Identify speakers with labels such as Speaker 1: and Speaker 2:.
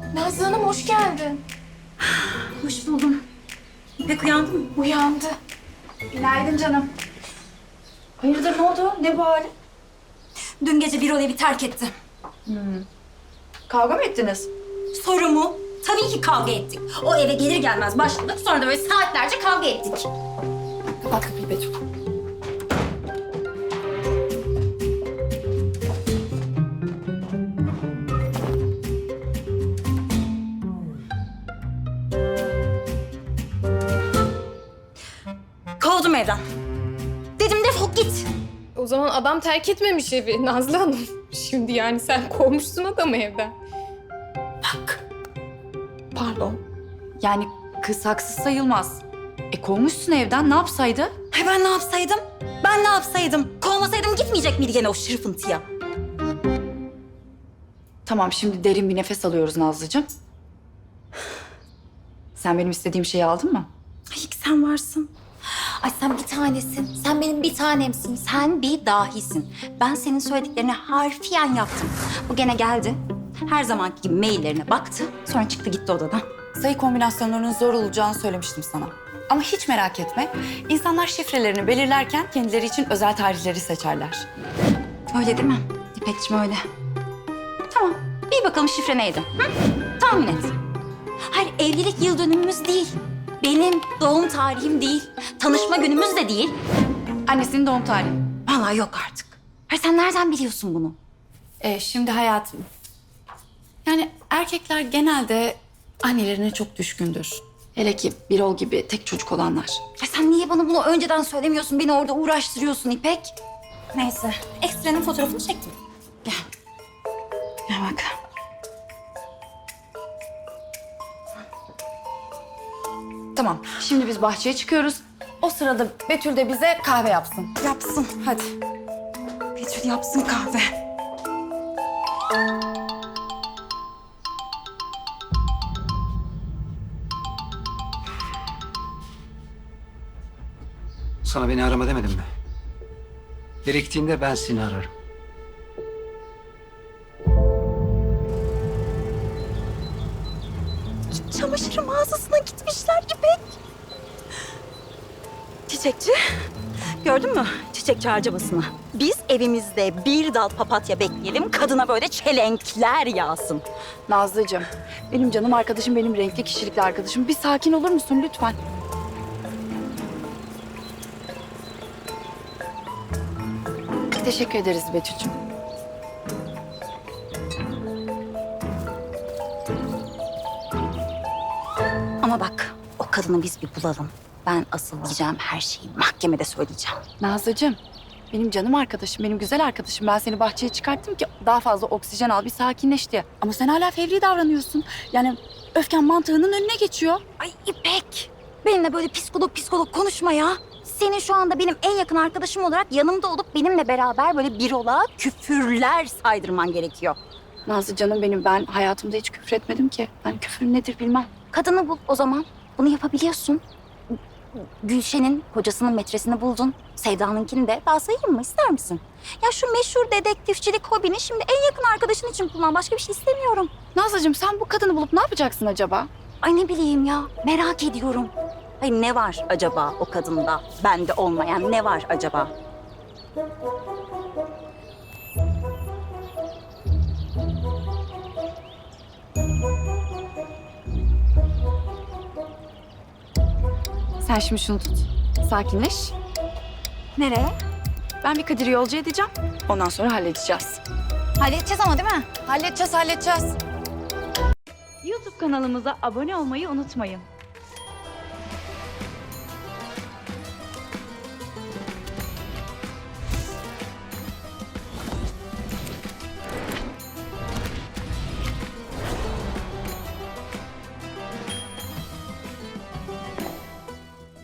Speaker 1: Nazlı Hanım hoş geldin.
Speaker 2: Hoş buldum. İpek uyandı mı?
Speaker 1: Uyandı.
Speaker 2: Günaydın canım. Hayırdır ne oldu? Ne bu hali? Dün gece bir evi terk etti.
Speaker 3: Kavga mı ettiniz?
Speaker 2: Soru mu? Tabii ki kavga ettik. O eve gelir gelmez başladık. Sonra da böyle saatlerce kavga ettik.
Speaker 3: Kapat kapıyı Betül.
Speaker 2: Kovdum evden. Dedim defol git.
Speaker 1: O zaman adam terk etmemiş evi Nazlı Hanım. Şimdi yani sen kovmuşsun adamı evden.
Speaker 2: Bak.
Speaker 3: Pardon. Yani kız haksız sayılmaz. Kovmuşsun evden, ne yapsaydı?
Speaker 2: Ay ben ne yapsaydım? Ben ne yapsaydım? Kovmasaydım gitmeyecek miydi gene o şırfıntıya?
Speaker 3: Tamam, şimdi derin bir nefes alıyoruz Nazlıcığım. Sen benim istediğim şeyi aldın mı?
Speaker 2: Ay sen varsın. Ay sen bir tanesin. Sen benim bir tanemsin. Sen bir dahisin. Ben senin söylediklerini harfiyen yaptım. Bu gene geldi. Her zamanki gibi maillerine baktı. Sonra çıktı gitti odadan.
Speaker 3: Sayı kombinasyonlarının zor olacağını söylemiştim sana. Ama hiç merak etme. İnsanlar şifrelerini belirlerken kendileri için özel tarihleri seçerler.
Speaker 2: Öyle değil mi? İpekciğim öyle. Tamam. Bir bakalım şifre neydi? Hı? Tahmin et. Hayır evlilik yıl dönümümüz değil. Benim doğum tarihim değil. Tanışma günümüz de değil.
Speaker 3: Annesinin doğum tarihi.
Speaker 2: Vallahi yok artık. Hayır sen nereden biliyorsun bunu?
Speaker 3: Şimdi hayatım. Yani erkekler genelde annelerine çok düşkündür. Hele ki Birol gibi tek çocuk olanlar.
Speaker 2: Ya sen niye bana bunu önceden söylemiyorsun? Beni orada uğraştırıyorsun İpek. Neyse. Ekstrenin fotoğrafını çektim. Gel. Gel bak.
Speaker 3: Tamam, şimdi biz bahçeye çıkıyoruz. O sırada Betül de bize kahve yapsın.
Speaker 2: Yapsın.
Speaker 3: Hadi.
Speaker 2: Betül yapsın kahve.
Speaker 4: Sana beni arama demedim mi? Gerektiğinde ben seni ararım.
Speaker 2: Çamaşır mağazasına gitmişler İpek. Çiçekçi. Gördün mü çiçekçi harcamasını? Biz evimizde bir dal papatya bekleyelim. Kadına böyle çelenkler yağsın.
Speaker 3: Nazlıcığım, benim canım arkadaşım, benim renkli kişilikli arkadaşım. Bir sakin olur musun lütfen? Teşekkür ederiz Betül'cüğüm.
Speaker 2: Ama bak o kadını biz bir bulalım. Ben asıl diyeceğim her şeyi mahkemede söyleyeceğim.
Speaker 3: Nazlıcığım, benim canım arkadaşım, benim güzel arkadaşım. Ben seni bahçeye çıkarttım ki daha fazla oksijen al, bir sakinleş diye. Ama sen hala fevri davranıyorsun. Yani öfken mantığının önüne geçiyor.
Speaker 2: Ay İpek, benimle böyle psikolog konuşma ya. Senin şu anda benim en yakın arkadaşım olarak yanımda olup benimle beraber böyle bir ola küfürler saydırman gerekiyor.
Speaker 3: Nazlı canım benim, ben hayatımda hiç küfür etmedim ki. Ben küfür nedir bilmem.
Speaker 2: Kadını bul o zaman. Bunu yapabiliyorsun. Gülşen'in kocasının metresini buldun. Sevda'nınkini de. Daha sayayım mı? İster misin? Ya şu meşhur dedektifçilik hobini şimdi en yakın arkadaşın için kullan. Başka bir şey istemiyorum.
Speaker 3: Nazlıcığım sen bu kadını bulup ne yapacaksın acaba?
Speaker 2: Ay ne bileyim ya. Merak ediyorum. Ay ne var acaba o kadında? Bende olmayan ne var acaba?
Speaker 3: Sen şimdi şunu tut. Sakinleş.
Speaker 2: Nereye?
Speaker 3: Ben bir Kadir'i yolcu edeceğim. Ondan sonra halledeceğiz.
Speaker 2: Halledeceğiz ama değil mi?
Speaker 3: Halledeceğiz. YouTube kanalımıza abone olmayı unutmayın.